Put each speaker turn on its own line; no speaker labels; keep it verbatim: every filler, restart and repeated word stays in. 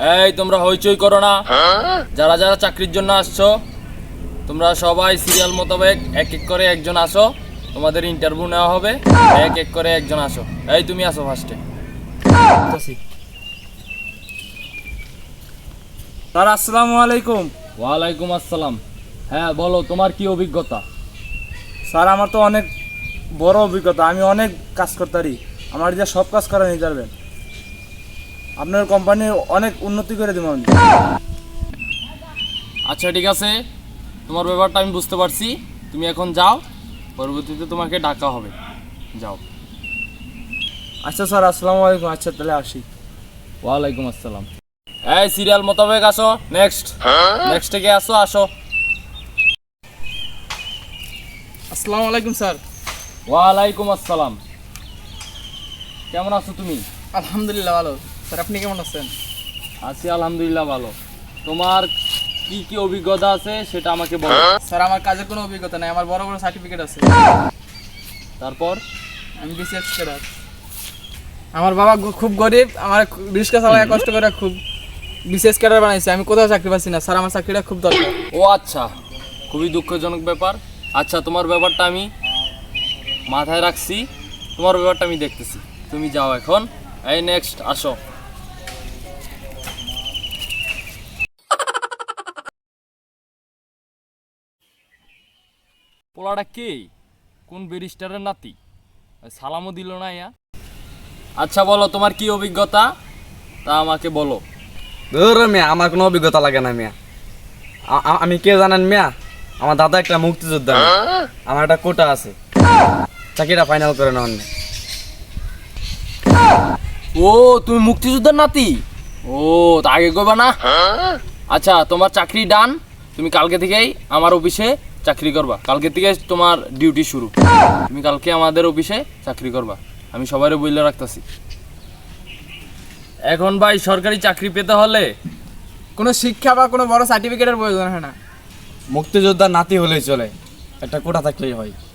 এই তোমরা হইচই করো না। যারা যারা চাকরির জন্য আসছো তোমরা সবাই সিরিয়াল মোতাবেক এক এক করে একজন আসো, তোমাদের ইন্টারভিউ নেওয়া হবে। এক এক করে একজন আসো। এই তুমি আসো ফার্স্টে।
স্যার আসসালামু আলাইকুম।
ওয়ালাইকুম আসসালাম। হ্যাঁ বলো, তোমার কি অভিজ্ঞতা?
স্যার আমার তো অনেক বড় অভিজ্ঞতা, আমি অনেক কাজ করতারি, আমার যা সব কাজ করে নিতে পারবেন। আপনার কোম্পানি অনেক উন্নতি করে দেবো আমি।
আচ্ছা ঠিক আছে, তোমার ব্যাপারটা আমি বুঝতে পারছি। তুমি এখন যাও, পরবর্তীতে তোমাকে ডাকা হবে। যাও।
আচ্ছা স্যার আসসালামু আলাইকুম। আচ্ছা তাহলে আসি।
ওয়ালাইকুম আসসালাম। এই সিরিয়াল মোতাবেক আসো। নেক্সট নেক্সট থেকে আসো আসো।
আসসালামু আলাইকুম স্যার।
ওয়ালাইকুম আসসালাম। কেমন আছো তুমি?
আলহামদুলিল্লাহ ভালো। স্যার আপনি কেমন আছেন?
আছি আলহামদুলিল্লাহ ভালো। তোমার কি কি অভিজ্ঞতা আছে সেটা আমাকে বলো।
স্যার আমার কাজের কোনো অভিজ্ঞতা নেই, আমার বড় বড় সার্টিফিকেট আছে।
তারপর?
আমি বিসিএস ক্যাডার। আমার বাবা গ- খুব গরিব, আমার রিক্সা চালায় কষ্ট করে খুব বিসিএস ক্যাডার বানাইছে। আমি কোথাও চাকরি পাচ্ছি না স্যার, আমার চাকরিটা খুব দরকার।
ও আচ্ছা, খুবই দুঃখজনক ব্যাপার। আচ্ছা তোমার ব্যাপারটা আমি মাথায় রাখছি, তোমার ব্যাপারটা আমি দেখতেছি। তুমি যাও এখন। এই নেক্সট আসো। পোলাটা কে? কোন ব্যারিস্টারের নাতি? সালামও দিল না ইয়া। আচ্ছা বলো, তোমার কি অভিজ্ঞতা তা আমাকে বলো।
ধর মিয়া, আমার কোনো অভিজ্ঞতা লাগে না মিয়া। আ- আ- আমি কে জানেন মিয়া? আমার দাদা একটা মুক্তিযোদ্ধা মিয়া। আমার একটা কোটা আছে, চাকরিটা ফাইনাল করে নেওয়ার নেই।
ও তুমি মুক্তিযোদ্ধার নাতি? ও তা আগে কইবা না? আচ্ছা তোমার চাকরি ডান। তুমি কালকে থেকেই আমার অফিসে চাকরি করবা। কালকে থেকে তোমার ডিউটি শুরু। তুমি কালকে আমাদের অফিসে চাকরি করবা, আমি সবাইরে বইলে রাখতেছি। এখন ভাই সরকারি চাকরি পেতে হলে
কোনো শিক্ষা বা কোনো বড় সার্টিফিকেটের প্রয়োজন হয় না।
মুক্তিযোদ্ধার নাতি হলেই চলে, একটা কোটা থাকলেই হয়।